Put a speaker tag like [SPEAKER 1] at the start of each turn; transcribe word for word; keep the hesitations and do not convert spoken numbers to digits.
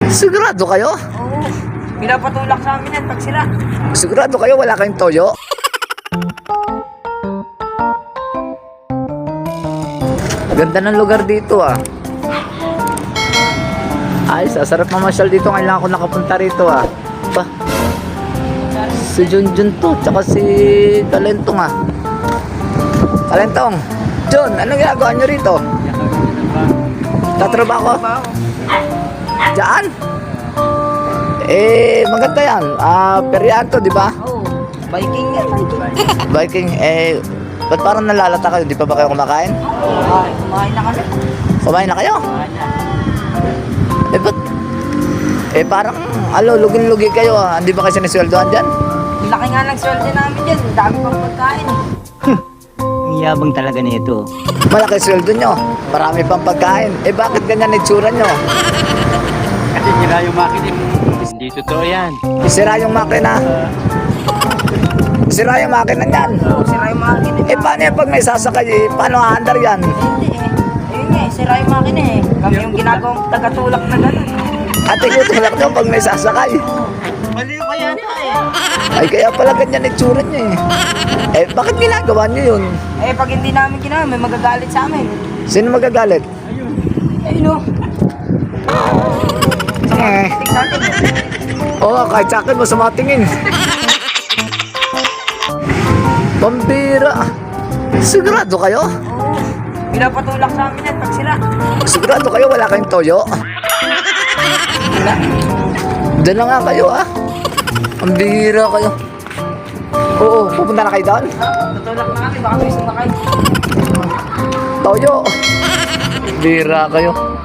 [SPEAKER 1] Sigurado kayo?
[SPEAKER 2] Oo. Pinapatulak sa amin yan pag sira.
[SPEAKER 1] Sigurado kayo wala kayong toyo? Ganda ng lugar dito ah. Ay, sasarap mamasyal dito. Ngayon lang ako nakapunta rito ah. Pa. Si Junjun to, tsaka si Talentong ah. Talentong, Jun, anong ginagawa nyo rito? Tatrabaho? Diyan? Eh, maganda yan. Ah, peryahan to, di ba?
[SPEAKER 2] Oo. Biking yan, biking.
[SPEAKER 1] Biking, eh, ba't parang nalalata kayo? Di pa ba kayo kumakain?
[SPEAKER 2] Ay, kumain na kami.
[SPEAKER 1] Kumain na kayo?
[SPEAKER 2] Kumain na.
[SPEAKER 1] Eh, ba't? Eh, parang, alo, lugin-lugi kayo ah. Hindi ba kayo sinisweldohan dyan?
[SPEAKER 2] Laki nga ng sweldo namin dyan. Dami pang pagkain.
[SPEAKER 3] Ang yabang talaga nito.
[SPEAKER 1] Malaki sweldo nyo. Marami pang pagkain. Eh, bakit ganyan itsura nyo?
[SPEAKER 3] Kasi sira yung makina. Hindi totoo yan.
[SPEAKER 1] Sira yung makina. Sira yung makina niyan.
[SPEAKER 2] Oo, sira yung makina.
[SPEAKER 1] Eh, paano yan pag may sasakay? Eh, paano aandar yan?
[SPEAKER 2] Hindi eh. Ayun nga eh, sira yung makina eh. Kami yung ginagawang tagatulak na gano'n.
[SPEAKER 1] At itutulak nyo pag may sasakay.
[SPEAKER 2] Mali pa yata eh.
[SPEAKER 1] Ay, kaya pala ganyan itsura nyo eh. Eh, bakit ginagawa nyo yun?
[SPEAKER 2] Eh, pag hindi namin ginawa, may magagalit sa amin.
[SPEAKER 1] Sino magagalit?
[SPEAKER 2] Ayun o.
[SPEAKER 1] Eh.
[SPEAKER 2] Tig sa atin eh.
[SPEAKER 1] Oo, kahit sa akin, masama tingin. Pambira. Sigurado kayo?
[SPEAKER 2] Oo. Pinapatulak sa amin yan pag sira.
[SPEAKER 1] Sigurado kayo wala kayong toyo?
[SPEAKER 2] Wala.
[SPEAKER 1] Doon na nga kayo ah. Ang bihira kayo. Oo, pupunta na kayo doon?
[SPEAKER 2] Tutulak na kami, baka may sumakay.
[SPEAKER 1] Toyo. Bihira kayo.